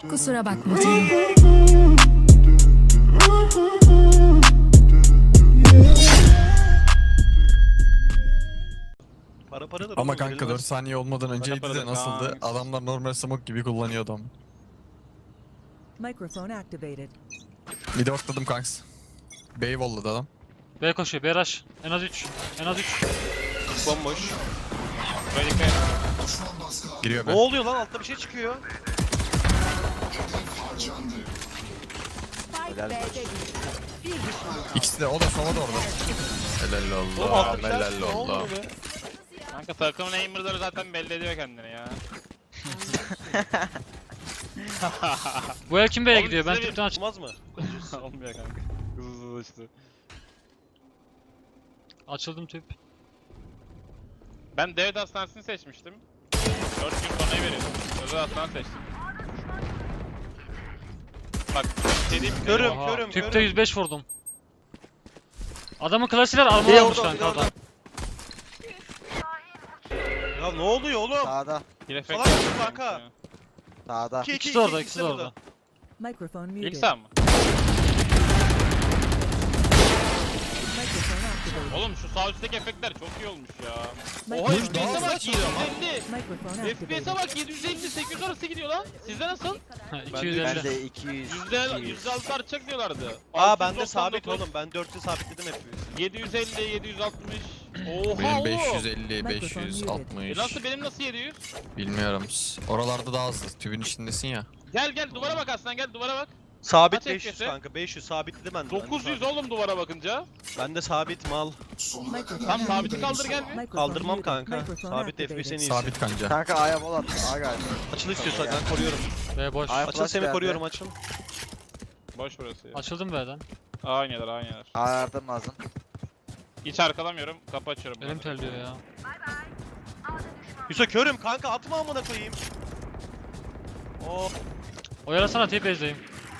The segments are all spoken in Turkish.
Kusura bakma canım. Para da Ama kanka 4 saniye olmadan önceydi Para de nasıldı? kanka. Adamlar normal smoke gibi kullanıyor adam. Microphone activated. Bir de ortladım kanks. Bey volladı adam. B koşuyor, B rush. En az 3. En az 3. Bomboş. Böyle dikkat et. Giriyor Ne be. oluyor lan? Altta bir şey çıkıyor. İkisi de o da sova da orada. Helal Oğlum Allah. altta bir şey Helal çıkıyor. Ne Allah. oluyor be? Kanka takımın aimer'ları zaten belli ediyor kendini ya. Bu el kim B'ye Oğlum gidiyor? Ben size bir- tüpten aç. Olmaz mı? Olmuyor kanka. Hızlı işte. Açıldım tüp. Ben devlet hastanesini seçmiştim. 4 gün sonrayı veriyordum. Özel hastane seçtim. Bak şey diyeyim mi? Körüm, Oha, körüm, tüpte körüm. 105 vurdum. Adamın klasiler armor almış kanka adam. Ya ne oluyor oğlum? Sağda. Bir efekt Salak yapıyorum kanka. ya. Sağda. İkisi de orada, ikisi de orada. Microphone İlk muted. sağ mı? Microphone activated. Oğlum şu sağ üstteki efektler çok iyi olmuş ya. Oha Microphone FPS'e muted. bak 750. Microphone FPS'e activated. bak 750 800 arası gidiyor lan. Sizde nasıl? Ha, Ben 250. Bende 200. %6 artacak diyorlardı. Aa bende sabit 699, oğlum. Ben 4'ü sabitledim hep. 750 760. Oha Benim oğlum. 550, Mikrofon 560. Nasıl benim nasıl 700? Bilmiyorum. Oralarda daha hızlı. Tübün içindesin ya. Gel gel duvara bak aslan gel duvara bak. Sabit Kaç 500 FPS? kanka. 500 sabitledim ben de. 900 oğlum duvara bakınca. Ben de sabit mal. Microphone Tam sabiti activated. kaldır gel bir. Microphone Kaldırmam muted. kanka. Microphone Sabit activated. FPS en iyisi. Sabit kanca. Kanka A'ya bol attım. A galiba. Açıl istiyorsan ben koruyorum. B boş. Ay- Açıl Flash seni geldi. koruyorum açıl. Boş burası ya. Açıldım B'den. A oynuyorlar A oynuyorlar. A yardım lazım. Hiç arkalamıyorum kapı açıyorum. Elim terliyor ya. Yusuf körüm kanka atma amına koyayım. Oo. Oyalasana tip base'deyim.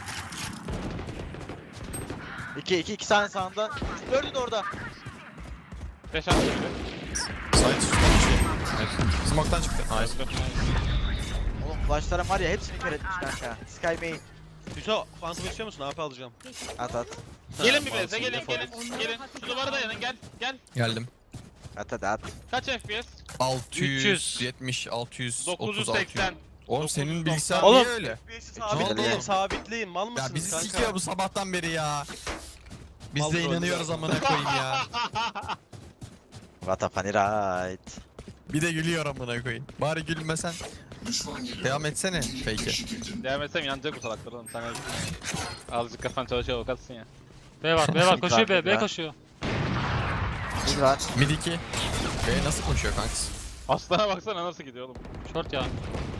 2 tane sağında. Gördün orada. 5 attı biri. Side üstünden şey. Smoke'tan çıktı. Nice. Oğlum flashlarım var ya hepsini kör etmiş kanka. Sky main. Yusuf Phantom istiyor musun? AP alacağım. At. Gelin bir Tamam, beze gelin defol. gelin. Şu duvara dayanın gel gel. Geldim. At. Kaç FPS? 670, 630, 980. Oğlum senin bilgisayar Oğlum. niye öyle? FPS'i Ne oldu sabitleyin oğlum? sabitleyin. Mal mısınız Ya bizi kanka? sikiyor bu sabahtan beri ya. Biz Mal de troll inanıyoruz ya. amına koyayım ya. What a funny ride. Bir de gülüyor amına koyayım. Bari gülmesen. Devam etsene fake'e. Devam etsem inanacak bu salaklar oğlum sana. Azıcık kafan çalışıyor avukatsın ya. B var, B var. Koşuyor B, Mid B var. koşuyor. Mid var. Mid 2. B nasıl koşuyor kanks? Aslana baksana nasıl gidiyor oğlum. Short ya.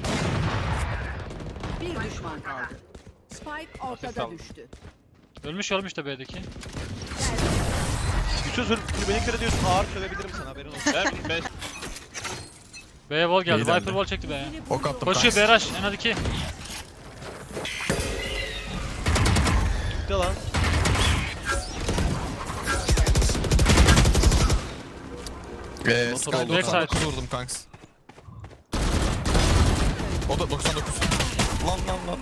Bir düşman kaldı. Spike ortada aldım. düştü. Ölmüş de B'deki. Yusuf beni kır ediyorsun. Ağır sövebilirim sana haberin olsun. Ben 5 B'ye wall geldi. İyi dendi. Viper wall çekti B'ye. Ok attım Koşuyor kanks. B rush. En az 2. Gitti lan. Sky oldu. 99 vurdum kanks. O da 99. Lan.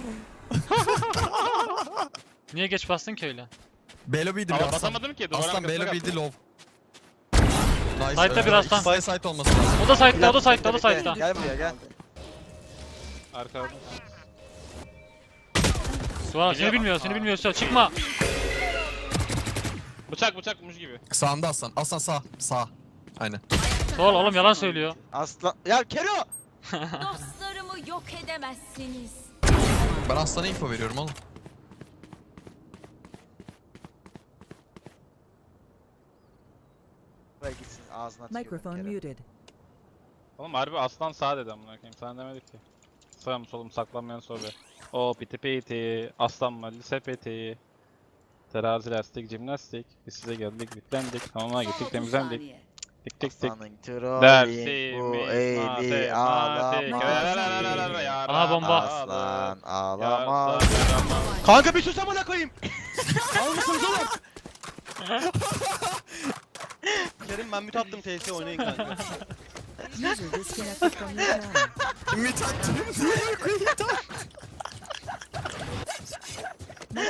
Niye geç bastın ki öyle? B lobby'ydi bir ama aslan. basamadım ki duvarın Aslan B arkasına lobby'di kalktım. low. Nice. Side'da bir aslan. İkisi de side olması lazım. O da side'da, o da side'da, o da Bekle, side'da. Gel buraya gel. Arkada. Suara seni bilmiyor, seni bilmiyor. Çıkma. Bıçak muş gibi. Sağında aslan. Aslan sağ. Sağ. Aynen. Sol oğlum yalan söylüyor. Aslan. Ya Kero. Dostlarımı yok edemezsiniz. Ben aslana info veriyorum oğlum. Buraya gitsin ağzına tükürüm Microphone Kero. muted. Oğlum harbi aslan sağ dedi amına koyayım. Sana demedik ki. Sağım solum saklanmayan sobe. O piti piti. Aslan mı lise piti. Terazi lastik jimnastik. Biz size geldik yüklendik. Hamama gittik temizlendik. Tik tik tik. Aslanın trolli bu Dersimiz eli matematik. ağlama. Aha, bomba. Aslan ağlama. Kanka bir sus amına koyayım. Al mısınız oğlum? Kerim ben müt attım TS oynayın kanka. User disconnected from your channel. Ümit attım.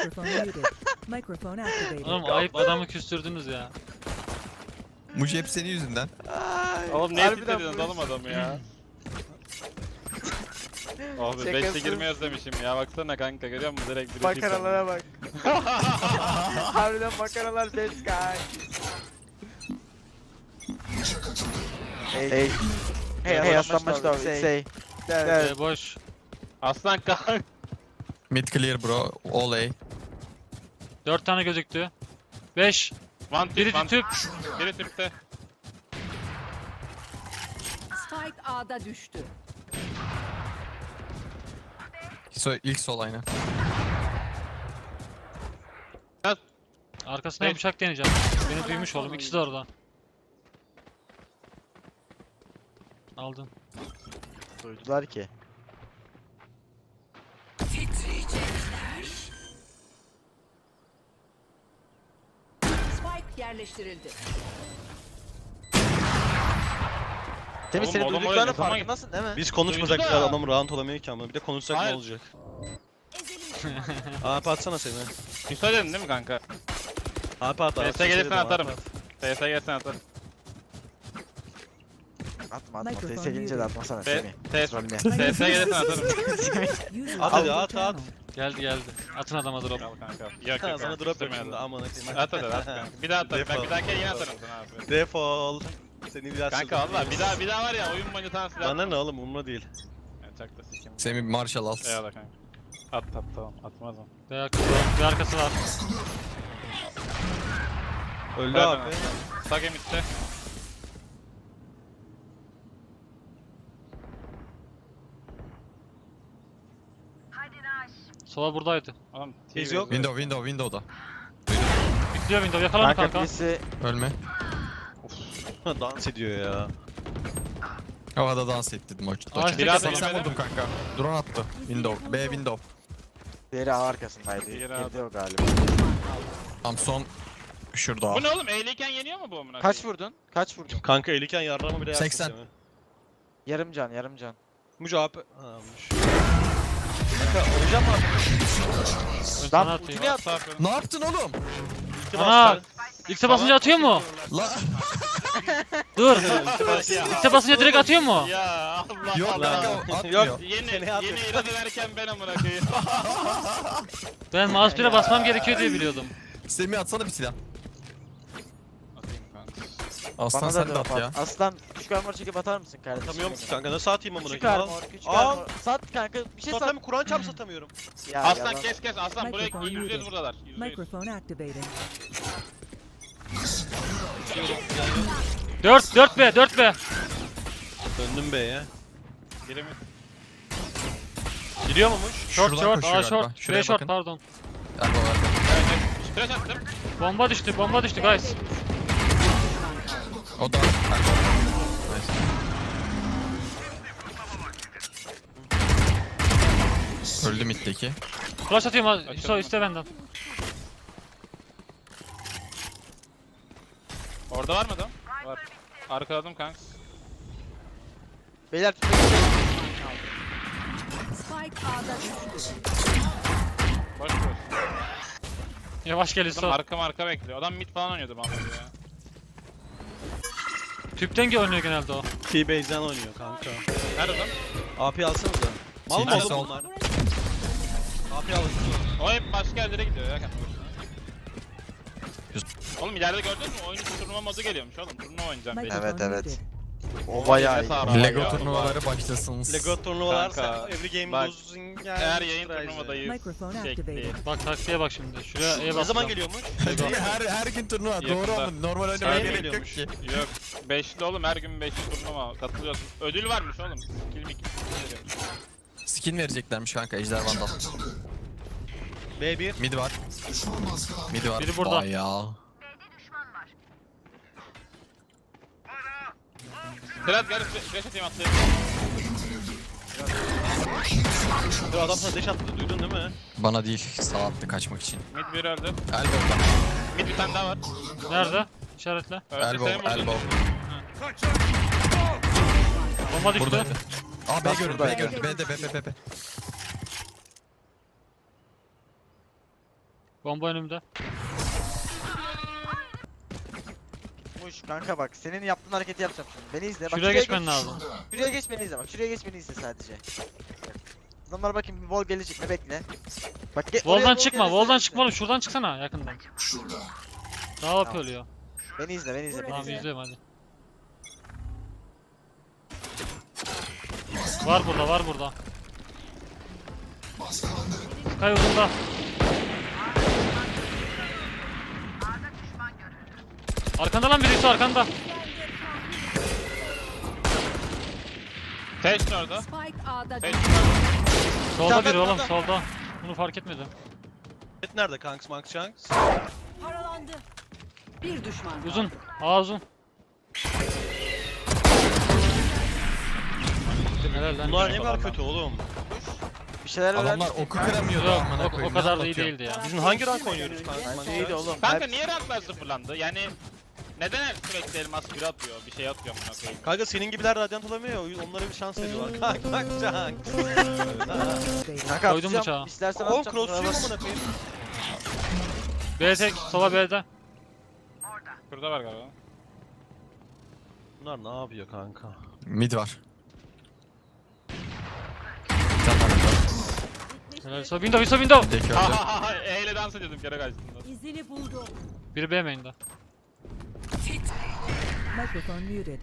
Microphone muted. Microphone activated. Oğlum ayıp adamı küstürdünüz ya. Muci hep senin yüzünden. Ay, Oğlum niye harbiden titrediyorsun bu oğlum adamı ya? Oh be Şakasız. 5'te girmeyi özlemişim ya baksana kanka görüyor musun direkt bir Makaralara bak. Harbiden makaralar best guy. Hey. Hey aslanmış da say. Boş. Aslan kanka. Mid clear bro. All A. 4 tane gözüktü. 5. One Biri tüp, one tüp. Biri tüpte. Spike A'da düştü. İlk sol aynen. Arkasına bıçak deneyeceğim. Beni duymuş oğlum. İkisi de orada. Aldın. Duydular ki. Spike yerleştirildi. Temiz Oğlum, seni oğlum duyduklarının öyle, tamam. farkındasın değil mi? Biz konuşmasak Duydu bile da. adam round olamıyor ki ama bir de konuşsak Hayır. ne olacak? Ezelim. AP atsana seni. Bir söyledin değil mi kanka? AP at abi. TS gelirsen atarım. TS gelirsen atarım. Atma atma. Microphone TS gelince de muted. atmasana T- Semih. TS Rolüne. TS gelirsen atarım. User At joined hadi your at at. channel. Geldi geldi. Atın adama drop. Al kanka. Yok yok. Sana drop istemiyorum. yapayım da aman akıyım. At hadi at kanka. Bir daha atarım. Ben Defol. bir dahaki yine atarım sana abi. Defol. Seni bir daha Kanka valla bir daha var ya oyun boyunca sana silah. Bana ne oğlum umurumda değil. Evet, çak da sikeyim. Semih Marshall al. Eyvallah kanka. At tamam atmaz mı? Bir arkası var. Öldü Ver abi. bana. Sage mid'de. Sola buradaydı. Oğlum Biz TV yok. Window'da. Bitliyor window. Yakala onu Kanka kanka. birisi Ölme. Dans ediyor ya. Havada dans ettirdim o. Ağaç biraz 80 önce vurdum kanka. Drone attı. Window. B window. diğeri A arkasındaydı. Diğeri Girdi o galiba. Tam son şurada. Bu ne oğlum? Eğliyken yeniyor mu bu amına? Kaç vurdun? Kaç vurdun? Kanka eliken yarrama bile yersin 80. Semih. Yarım can yarım can. Mucu AP. Ha Mucu. Kanka oynayacağım mı abi? Ön sana Lan atayım. ultimi at. Ne yaptın oğlum? İki Ana! bastı. X'e basınca atıyor mu? La Dur. X'e basınca direkt atıyor mu? Ya Allah yok Allah. kanka atmıyor. Yeni Seni at- yeni irade ederken ben amına koyayım. Ben mouse 1'e basmam gerekiyor diye biliyordum. Semih atsana bir silah. Atayım kanka. Aslan Bana sen da de at ya. Aslan küçük armor çekip atar mısın kardeşim? Satamıyorum ki kanka nasıl atayım amına Küçük koyayım? armor, küçük Al. armor. Sat kanka bir şey sat. Satamıyorum Kur'an çarp satamıyorum. Ya, Aslan yalan. kes aslan buraya Microphone %100 muted. buradalar. %100. Microphone activated. 4B. Döndüm B'ye. Biri mi? Giriyor muymuş? Short Şuradan short. koşuyor Aa galiba. short. Şuraya Şuraya short bakın. pardon. Elbow elbow. Evet. Flash attım. Bomba düştü guys. O da elbow. Nice. Öldü middeki. Flash atıyorum ha. Açalım. So iste benden. Orada var mı adam? Var. Arkaladım kanka. Beyler Spike A'da düştü. Boş boş. Yavaş gel Adam İso. arka bekliyor. Adam mid falan oynuyordu vallahi ya. Tüpten oynuyor genelde o. T-Base'den oynuyor kanka. Nerede adam? AP alsanıza. Mal mı T-Base oğlum al. bunlar? AP alın. O hep başka yerlere gidiyor ya kendi başına. Oğlum ileride gördün mü? Oyunun turnuva modu geliyormuş oğlum. Turnuva oynayacağım belli. Evet, Microphone evet. muted. O bayağı iyi. Sağ ol. Lego Ya, turnuvaları başlasın. Lego turnuvalar Kanka, every game bak, losing Eğer yayın turnuvadayız. Microphone Şekli. activated. Bak taktiğe bak şimdi. Şuraya E Ne bas. zaman geliyormuş? her gün turnuva. Yakında. Doğru ama normal oynamaya Sen gerek yok geliyormuş. ki. Yok. 5'li oğlum her gün 5'li turnuva katılıyorsun. Ödül varmış oğlum. Skill mi veriyormuş. Skin vereceklermiş kanka Ejder Vandal. B1. Mid var. Mid var. Biri burada. Bayağı. Biraz gel flash atayım atlayayım. Bu adam sana dash attı duydun değil mi? Bana değil sağ attı kaçmak için. Mid bir öldü. Elbow'da. Mid bir tane daha var. Nerede? İşaretle. Öldü senin Elbow. vurdun. Elbow. Bomba düştü. Buradaydı. Aa B görün. B buradaydı. görün. B'de B. Bomba önümde. Muş kanka bak senin yaptığın hareketi yapacağım şimdi. Beni izle. Bak, Şuraya geçmen lazım. Şuraya geç beni izle bak. Şuraya geç beni izle sadece. Adamlar bakayım wall gelecek mi bekle. Bak oraya Wall'dan wall çıkma, gelirse wall'dan izle. çıkma oğlum. Şuradan çıksana yakından. Daha AP oluyor. Beni izle beni izle beni Tamam izle. izliyorum hadi. Var burada, var burada. Sky uzunda. Arkanda lan birisi arkanda. Teşhin orada. Spike A'da Teşhin düştü. orada. Solda biri oğlum, Orada. solda. Bunu fark etmedim. Et nerede kanks Max Shanks? Paralandı. Bir düşman kaldı. Uzun. A uzun. Helal lan. Bunlar ne kadar kötü oğlum. Bir şeyler öğren. Adamlar oku kıramıyordu Yok, amına o koyayım. kadar ne da iyi anlatıyorsun? değildi ya. Biz hangi rank oynuyoruz kanks Max Bence iyiydi Shanks? oğlum. Kanka Hep- niye ranklar sıfırlandı? Yani neden her sürekli elmas bir atıyor, bir şey atıyor amına koyayım? Kanka senin gibiler radyant olamıyor ya, onlara bir şans veriyorlar. Kanka Max Shanks. Activated. Kanka Koydum atacağım. bıçağı. İstersen Oğlum atacağım. cross yok amına koyayım. B tek, sola B'de. Şurada var galiba. Bunlar ne yapıyor kanka? Mid var. Bir tane daha mid var. Helal. So window, window. Bir de Ha öldü. ha ha eyle dans ediyordum kere kaçtım. İzini buldu. Biri B main'de. Microphone muted.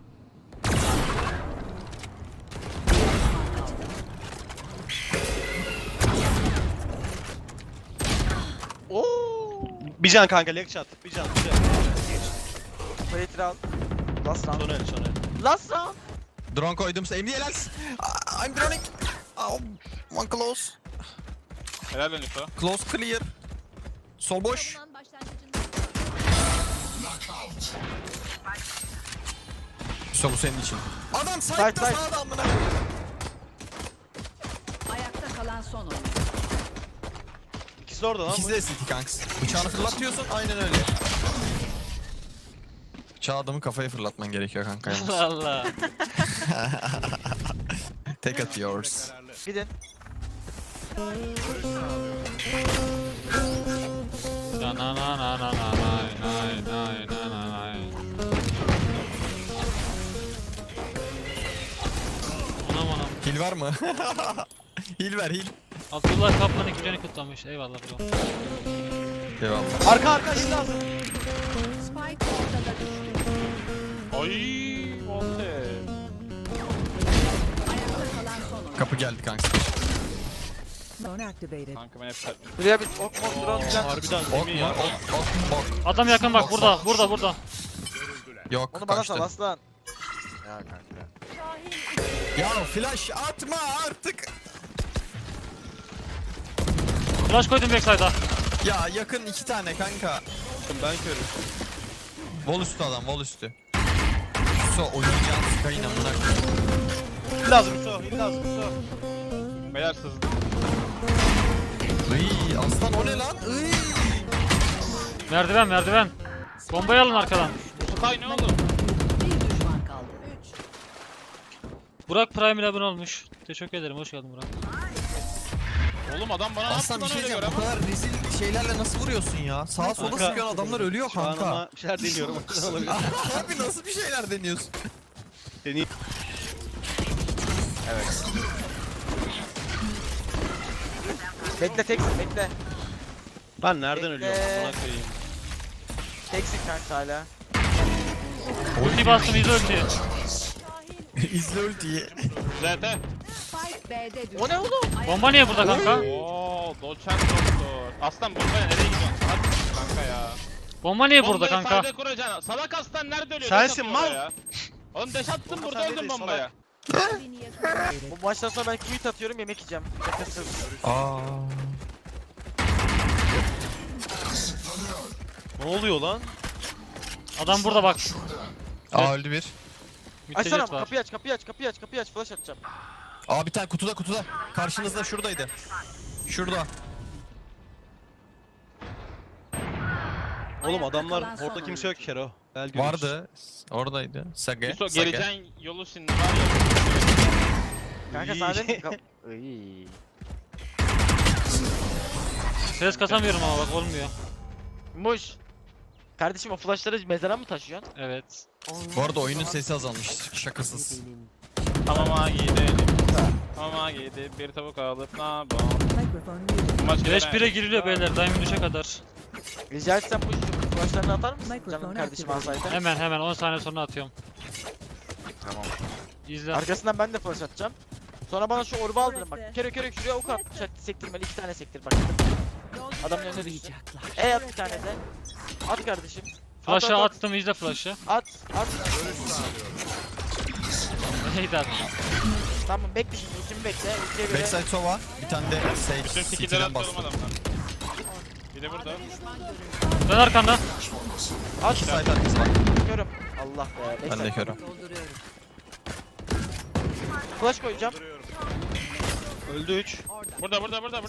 Oo. Bir can kanka leg shot. Bir can. Plate round. Last round. Son el son el. Last round. Drone koydum. Aim helal. I'm droning. Oh, one close. Helal lan Yusuf. Close clear. Sol boş. Savunan başlangıcında. Sol bu senin için. Adam Side, side'da side. sağda amına. Ayakta kalan son oyun. İkisi de orada lan. İkisi de city kanks. Bıçağını fırlatıyorsun aynen öyle. Bıçağı adamın kafaya fırlatman gerekiyor kanka yalnız. Allah. Take at yours. Gidin. Na na na na na na nay nay na na nay. Anam anam. Heal var mı? Heal ver heal. Abdullah Kaplan ikincini kutlamış. Eyvallah bro. Eyvallah. Arka arka il lazım. Spike ortada düştü. Ay, volte. Ayakta kalan son oyun. Kapı geldi kanks. Phone activated. Kanka ben hep sert. Buraya bir ok mok drone falan. Harbiden Ok değil mi mu? ya? Ok. Adam yakın bak burada, burada, burada. Yok Onu bana kaçtı. sal aslan. Ya kanka. Ya flash atma artık. Flash koydum backside'a. Ya yakın iki tane kanka. Ben körüm. Wall üstü adam wall üstü. So oynayacağın Sky'ın amına koyayım. Il lazım Yusuf. Il lazım Yusuf. Beyler sızdı. Iy, aslan o ne lan? Iy. Merdiven, merdiven. Bombayı alın arkadan. Sky ne oldu? Bir düşman kaldı. 3. Burak Prime ile abone olmuş. Teşekkür ederim, hoş geldin Burak. Oğlum adam bana ne yaptı Aslan bir lan şey öyle diyeceğim. göre Bu ama. kadar rezil şeylerle nasıl vuruyorsun ya? Sağa sola Kanka, sıkıyorsun adamlar ölüyor Şu an kanka. ama bir şeyler deniyorum. O yüzden olabilir. Abi nasıl bir şeyler deniyorsun? Deneyim. Bekle teksin bekle. Ben nereden Bekle. ölüyorum? Buna koyayım. Teksin kanka hala. Ulti bastım, izle ultiyi. İzle ultiyi. ZT. Spike B'de düştü. O ne oğlum? Bomba niye burada kanka? Ooo, doçent doktor. Aslan bombaya nereye gidiyorsun? Hadi kanka ya. Bomba niye burada Bombayı kanka? sayda kuracaksın. Salak aslan nerede ölüyor? Sensin, Deş atıyor mal. oraya. Oğlum deş attın Bomba burada sende öldün değil, bombaya. Beni yakaladı. Bu maçtan sonra ben quit atıyorum yemek yiyeceğim. Nefessiz. Aa. Ne oluyor lan? Adam burada bak. Aa öldü bir. Açsana Müttecat var. kapıyı aç kapıyı aç kapıyı aç kapıyı aç flash atacağım. Aa bir tane kutuda kutuda. Karşınızda şuradaydı. Şurada. Oğlum Ayakta adamlar kalan son orada kimse yok oyuncu. Kero. Gel görürüz. Vardı. Oradaydı. Sage. Yusuf Sage. geleceğin yolu şimdi var ya. Kanka İyi. sana dedim ki Iy. Ses kasamıyorum ama bak olmuyor. Muş. Kardeşim o flashları mezara mı taşıyorsun? Evet. Bu arada oyunun sesi azalmış. Şakasız. Hamama gidelim. Hamama gidip bir tavuk alıp ne yapalım? Microphone muted. Maç Güneş girene- 1'e giriliyor beyler. Diamond 3'e kadar. Rica etsem Muş şu flashlarını atar mısın? Mikrofon Canım kardeşim aktif. alsaydı. Hemen 10 saniye sonra atıyorum. Tamam. İzle. Arkasından ben de flash atacağım. Sonra bana şu orba aldırın bak. Kere şuraya ok at. Sektirmeli 2 tane sektir bak. Adamın önüne düştü. At bir tane de. At kardeşim. Flash'ı at. attım, izle flash'ı. At. Neydi abi? Tamam bekle şimdi ultimi bekle. Ultiye göre. Backside Sova. Bir tane de Bütün Sage. skill'leri City'den atıyorum bastı. adamlar. Bir de burada. Dön arkanda. At. Side arkası var. Körüm. Allah be. Ben de Backside. körüm. Dolduruyorum. Flash koyacağım. Öldü 3. Burada.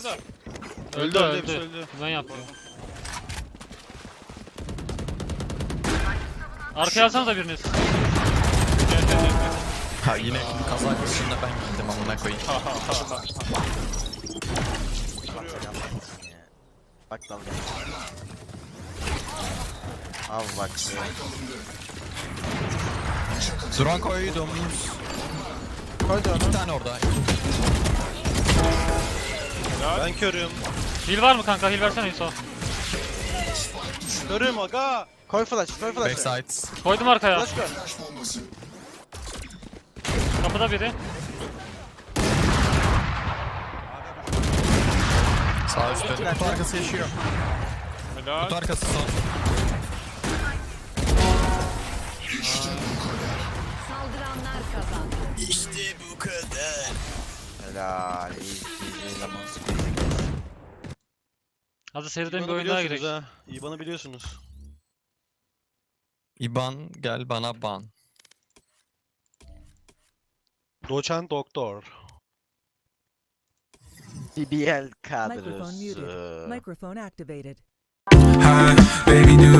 Öldü. Ben yapıyorum. Arkaya alsanıza biriniz. Ha yine kaza kışında ben gittim amına koyayım. Bak dalga. Al bak. Drone koydum. Koydu onu. 2 tane orada. Ben körüm. Heal var mı kanka? Heal versene Yusuf. Körüm aga. Koy flash. Backside. Koydum arkaya. Flash koy. Kapıda biri. Sağ üstte. Kutu arkası yaşıyor. Helal. Kutu arkası son. Saldıranlar kazandı. İşte bu kadar. Helal. İyi zaman. Hadi seriden bir İban'ı oyun daha biliyorsunuz girelim. ha. İban'ı biliyorsunuz. İban gel bana ban. Doçent doktor. BBL Microphone muted. kadrosu. Microphone activated. Hi, baby, do